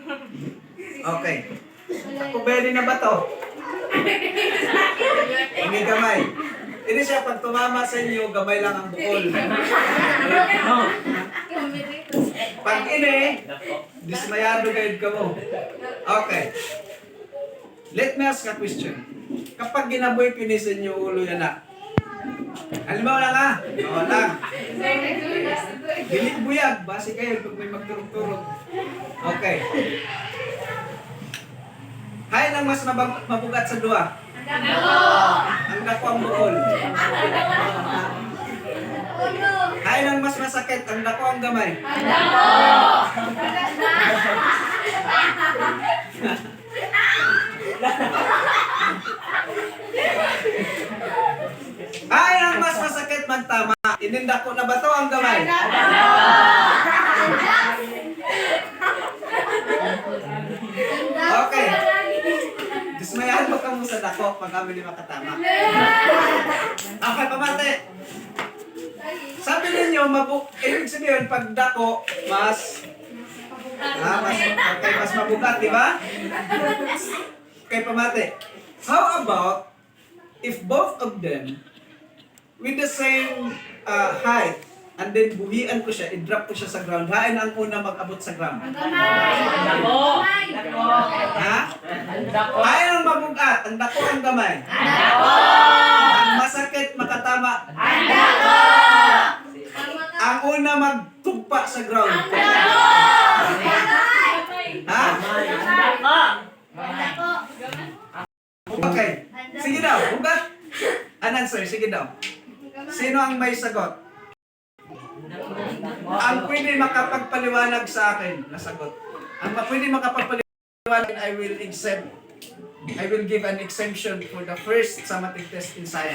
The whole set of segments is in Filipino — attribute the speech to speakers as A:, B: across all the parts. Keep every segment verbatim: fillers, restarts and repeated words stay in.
A: Okay. Ako pwede na ba to? Hindi gamay. Hindi siya, pag tumama sa inyo, gamay lang ang bukol. Pag ini, dismayado kayo ka mo. Okay. Let me ask a question. Kapag ginaboy pinis sa inyo ulo yan na, halimbawa lang ha? Oo lang. Dilit buyag, base kayo pag may magturog-turog. Okay. Hay nang mas mabag- mabugat sa duwa. Ang dako ang bukol. Hay nang mas masakit, ang dako ang gamay. Hay nang mas masakit magtama, ininda ko na ba to ang gamay? Okay. Dismayahan mo ka mo sa dako pag kami di makatama. Okay, pamate. Sabi ninyo, mabuk ibig sabihin, pag dako, mas, ah, mas, okay, mas mabugat, di ba? Okay, pamate. How about, if both of them, with the same uh, height, and then buhian ko siya, i-drop ko siya sa ground, hain ang una mag-abot sa ground.
B: Dako. Dako.
A: Ha?
B: Dako.
A: Hain ang mabugat, ang dako ang gamay.
B: Dako.
A: Ang masakit makatama.
B: Dako.
A: Ang una magtugpa sa ground. Ha?
B: Dako.
A: Okay. Sige daw, bugat. An answer, sige daw. Sino ang may sagot? Ang pwede makapagpaliwanag sa akin na sagot. Ang pwede makapagpaliwanag, I will exempt. I will give an exemption for the first summative test in science.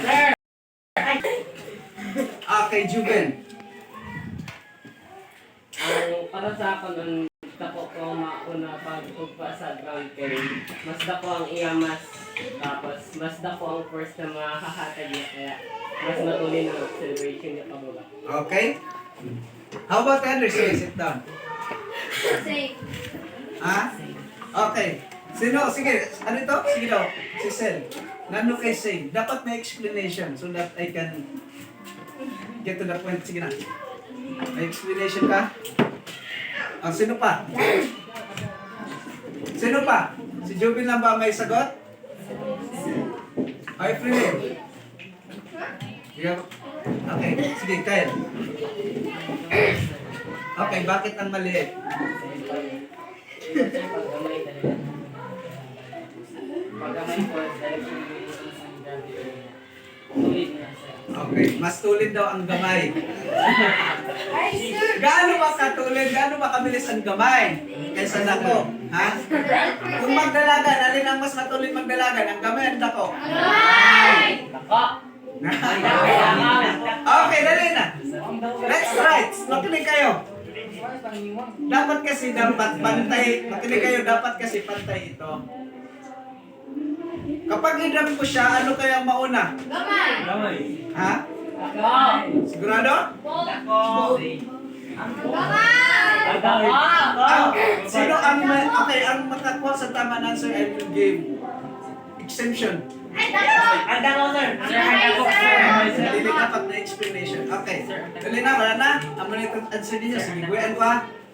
A: Okay, Juben.
C: Ang para sa akin, ang dako ko mauna pagtugpa sa ground kay mas dako ang iyamas, tapos mas dako ang first na mahahatag niya, kaya mas matulin ang celebration niya pababa.
A: Okay? How about Anderson? Sit down. Ha? Okay. Sino? Sige. Ano ito? Sige daw. Si Sel. Nano kay Say. Dapat may explanation so that I can get to the point. Sige na. May explanation ka? Ah, sino pa? Sino pa? Si Jubin lang ba may sagot? Ay, Freeman. Okay, sige, Kyle. Okay, bakit ang maliit?
C: Paggamay talaga. Paggamay po, direction mo yung tulid na sa
A: Okay, mas tulid daw ang gamay. Gaano ba katulid? Gaano ba kabilis ang gamay? Kaysa dako, ha? Kung magdalagan, alin ang mas matulid magdalagan? Ang gamay, ang dako?
C: dako.
A: Okay, dali na. Let's try. Makinig kayo. Dapat kasi dapat pantay. Makinig kayo, dapat kasi pantay ito. Kapag i-drop ko siya, ano kaya ang mauna?
B: Gamay.
A: Ha?
C: Dako.
A: Sigurado?
C: Dako.
B: Dako.
A: Ah, sino ang ma- okay, ang makakuha sa tama na answer, I will give exemption.
B: Ang dako, sir. Sir, ang dako, sir.
A: Hindi dapat na explanation. Okay. Dali na, wala na. Ang mga answer niyo, sige, buwan ko ha.